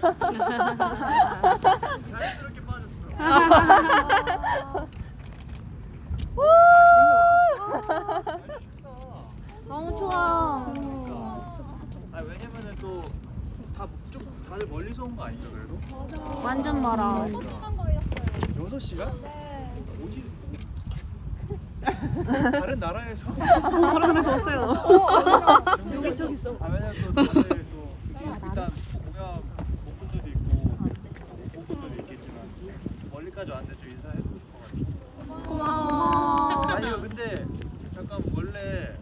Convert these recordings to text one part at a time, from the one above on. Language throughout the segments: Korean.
자연스럽게 빠졌어. 너무 좋아. 아 왜냐면은 또 좀 다들 멀리서 온 거 아닌가 그래도? 완전 멀어. 6시간? 네. 어디? 다른 나라에서? 다른 데서 왔어요. 저기 있어. 아 왜냐면 또 다들 또 일단 공연 본 분들도 있고 못 본 분들도 있겠지만 멀리까지 왔는데 좀 인사해보고 싶어가지고. 고마워. 아니요 근데 잠깐 원래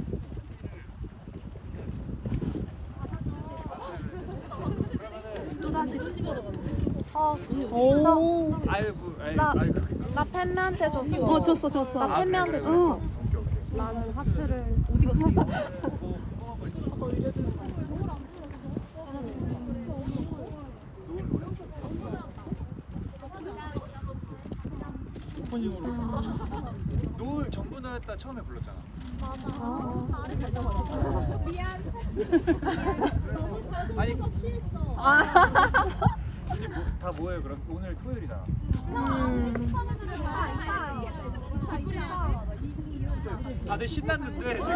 또 다시. 오. 나 팬매한테 줬어. 줬어. 나 팬매한테 줬어. 오케이. 나는 하트를. 어디 갔어? 뭐 궁금한 거 있어? 오프닝으로 노을 정부나였다 처음에 불렀잖아. 아니 이제 다 뭐예요 그럼? 오늘 토요일이잖아. 다들 신났는데 지금.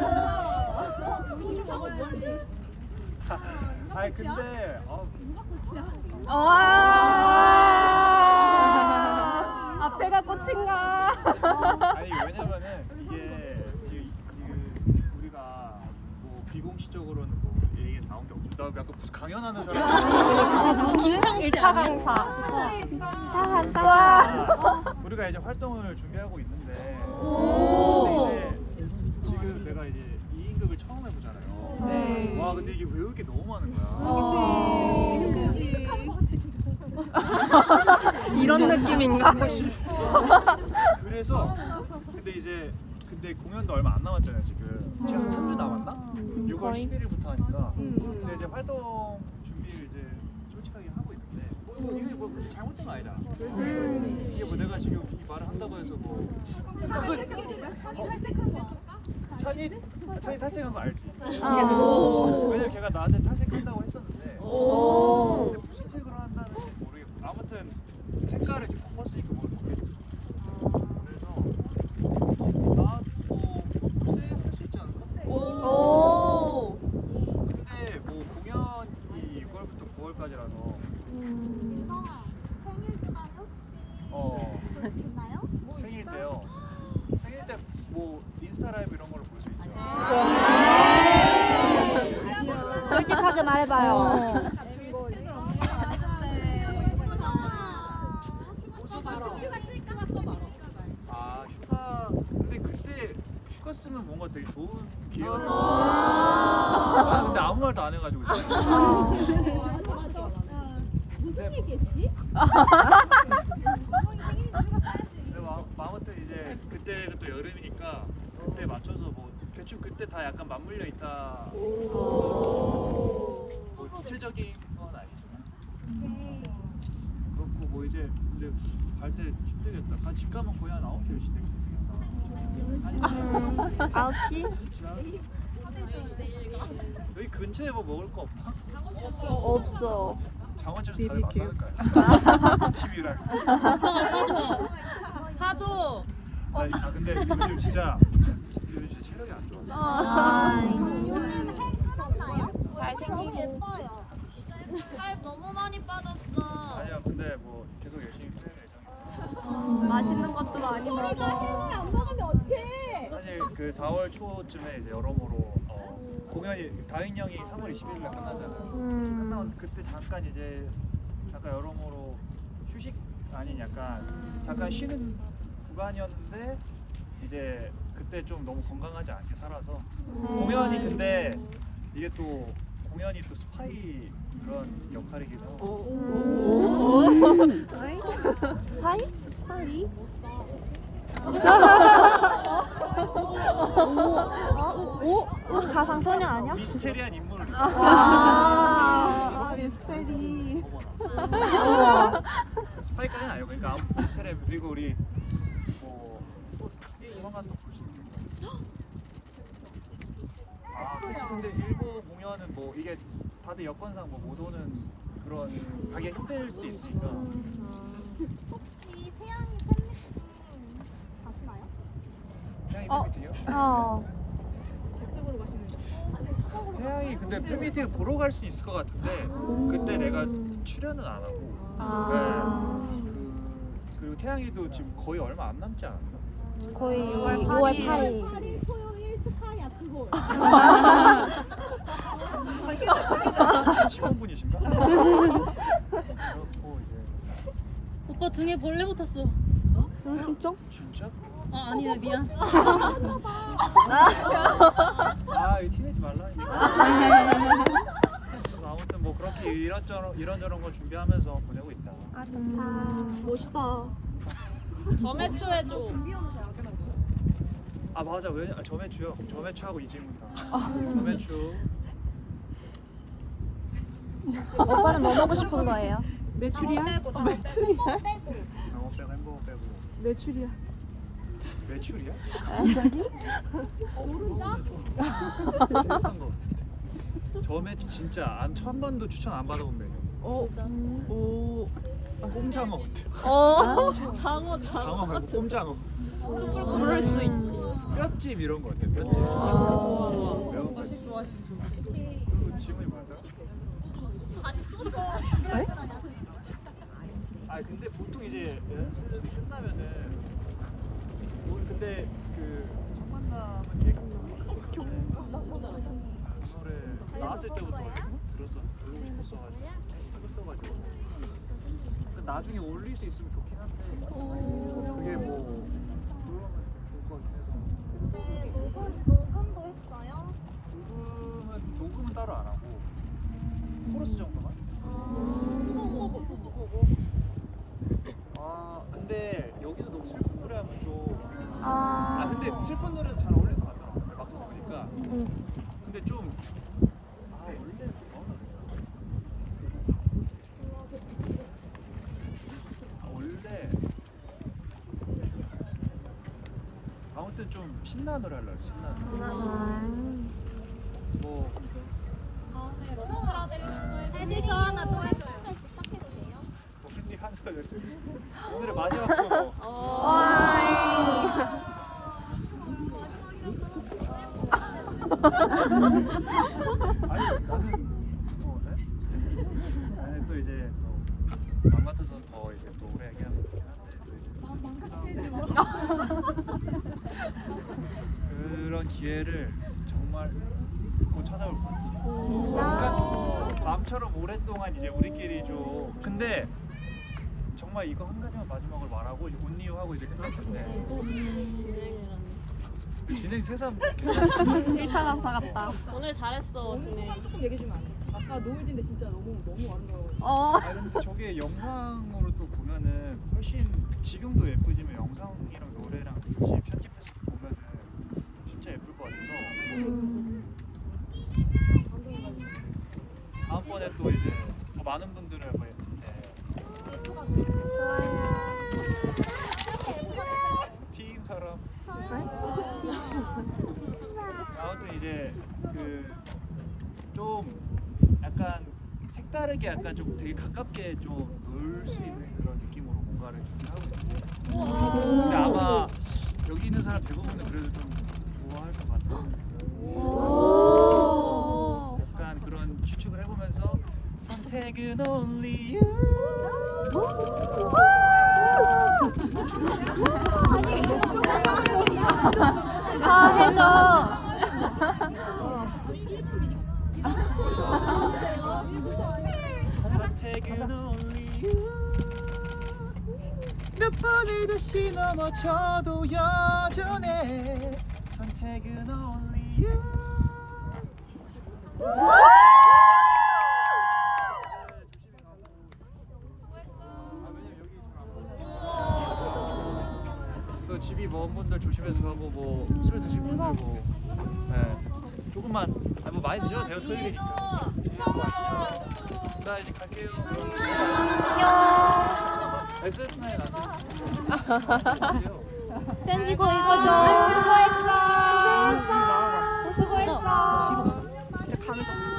아니 근데 앞에가 꽃인가? 아니 왜냐면은 이게 우리가 뭐 비공식적으로는 뭐 얘기 나온 게 없죠. 나 약간 무슨 강연하는 사람. 김상욱 씨 아니야? 강사. 우리가 이제 활동을 준비하고 있는데 오. 근데 이제 지금 내가 이제 2인극을 처음 해보잖아요. 네. 와 근데 이게 외울 게 너무 많은 거야. 이런 느낌인가? 그래서 근데 공연도 얼마 안 남았잖아요 지금. 지금 3주 남았나? 6월 11일부터 하니까. 근데 이제 활동 준비를 이제 솔직하게 하고 있는데 이게 뭐 잘못된 거 아니잖아. 이게 뭐 내가 지금 이 말을 한다고 해서 뭐 찬이 탈색한 거 알지? 왜냐면 걔가 나한테 탈색한다고 했었는데 근데 무슨 색으로 한다는지 모르겠고 아무튼 색깔을 이렇게 바꿨으니까 뭘 바뀌었지. 그래서 나도 글쎄 할 수 있지 않을까? 근데 뭐 공연이 6월부터 9월까지라서 성아, 생일 주간에 혹시 있나요? 생일 때요. 생일 때 뭐 인스타 라이브 이런 걸로 볼 수 있죠. 솔직하게 말해봐요. 아 휴가 근데 그때 휴가 쓰면 뭔가 되게 좋은 기회가 될 것 같아. 아 근데 아무 말도 안 해가지고 지금. 무슨 얘기했지? 근데 아무튼 이제 그때가 또 여름이니까 그때 맞춰서 뭐 대충 그때 다 약간 맞물려 있다. 뭐 구체적인 건 아니지만 그렇고 뭐 이제 근데 갈 때 힘들겠다. 집 가면 거의 한 9시 10시 되겠다. 9시? 여기 근처에 뭐 먹을 거 없나? 없어. 장원집에서 다들 만나는 거야. TV랑. 사줘. 근데 요즘 진짜 체력이 안 좋아. 요즘 헬 끊었나요? 잘생기고. 예뻐요. 살 너무 많이 빠졌어. 아니야 근데 뭐 계속 열심히 할 예정이야. 맛있는 것도 많이 우리가 헬을 먹어. 안 먹으면 어떡해? 사실 그 4월 초쯤에 이제 여러모로 공연이 다인 형이 3월 20일날 끝나잖아요. 끝나고 그때 잠깐 이제 약간 여러모로 휴식 아닌 약간 잠깐 쉬는 구간이었는데 이제 그때 좀 너무 건강하지 않게 살아서 공연이 근데 이게 또 공연이 또 스파이 그런 역할이기도 하고 스파이? 스파이? 오? 가상소녀 아니야? 미스테리한 인물을 미스테리. 스파이까지는 아니고 그러니까 미스테리 그리고 우리 뭐또 조만간 또 볼 수 있는 거. 아 그치 근데 일본 공연은 뭐 이게 다들 여건상 뭐 못 오는 그런 가기가 힘들 수도 있으니까. 혹시 태양이 팬미팅 가시나요? 태양이 어. 팬미팅이요? 태양이 근데 팬미팅 보러 갈 수 있을 것 같은데 그때 내가 출연은 안 하고. 네. 그리고 태양이도 지금 거의 얼마 안 남지 않았나? 거의 6월 6월 8일. 8일 토요일 스카이 아트홀. 직원분이신가? 그렇고 이제 오빠 등에 벌레 붙었어. 진짜? 진짜? 아 아니네 미안. 아 이거 티내지 말라 이거. 아무튼 뭐 그렇게 이런저런 걸 준비하면서 보내고 있다. 멋있다. 점액초 해줘. 아 맞아 왜 저매추요? 저매추하고 이지훈이랑 저매추. 오빠는 뭐 먹고 싶은 거예요? 매출이야? 매출이야? 빼고. 장어 빼고 햄버거 빼고. 매출이야. 매출이야? 오른쪽? 비슷한 거 같은데. 저매추 진짜 한 번도 추천 안 받아본 메뉴. 오. 꼼장어 어때? 장어 장어 말고 꼼장어. 부를 수 있지. 뼈찜 이런 거 어때? 뼈찜. 매운 거. 맛있어. 그리고 지문이 뭐야? 아니 소주. 아 근데 보통 이제 연습이 끝나면은 근데 그 첫 만남은 되게 그 노래 나왔을 때부터 들고 싶었어가지고 그 나중에 올릴 수 있으면 좋긴 한데 그게 뭐 그러면 좋을 것 같긴 해서 근데 녹음도 했어요? 녹음은 따로 안 하고 코러스 정도만. 아 근데 여기서 너무 슬픈 노래 하면 좀 근데 슬픈 노래는 잘 어울릴 것 같더라고 막상 보니까. 근데 좀 원래 원래 아무튼 좀 신나는 노래 하려고 신나는 노래. 뭐 다음에 러브라 데리는 혜지 저 하나 또 해줘요. 부탁해도 돼요? 언니 한 소절 오늘의 마지막 소모. 아니 나는 뭐 네? 아니 또 이제 또 맘 같아서 더 이제 또 오래 얘기하면 좋긴 한데 또 이제 그런 기회를 정말 곧 찾아올 거야. 그러니까 밤처럼 오랫동안 이제 우리끼리 좀 근데 정말 이거 한 가지만 마지막으로 말하고 온리유 하고 이제 끝날 텐데 진행 새삼 일타강사 같다. 오늘 잘했어 진행. 조금 얘기해 주면 안 돼? 아까 노을진데 진짜 너무 아름다워. 아 근데 저게 영상으로 또 보면은 훨씬 지금도 예쁘지만 영상이랑 노래랑 같이 편집해서 보면은 진짜 예쁠 것 같아서 다음번에 또 이제 더 많은 분들을 뭐 티인 사람 아무튼 이제 그 좀 약간 색다르게 약간 좀 되게 가깝게 좀 놀 수 있는 그런 느낌으로 뭔가를 준비하고 있는데 근데 아마 여기 있는 사람 대부분은 그래도 좀 좋아할 것 같아. 약간 그런 추측을 해보면서 선택은 only you 해줘. 선택은 only you 몇 번을 다시 넘어져도 여전해 선택은 only you 그래서 집이 먼 분들 조심해서 가고 뭐 술 드실 분들 뭐 조금만 뭐 많이 드셔도 돼요 토요일이니까. 나 이제 갈게요. 안녕. SF9 아세요? 댄지 거 이거 줘. 수고했어. 수고했어. 가면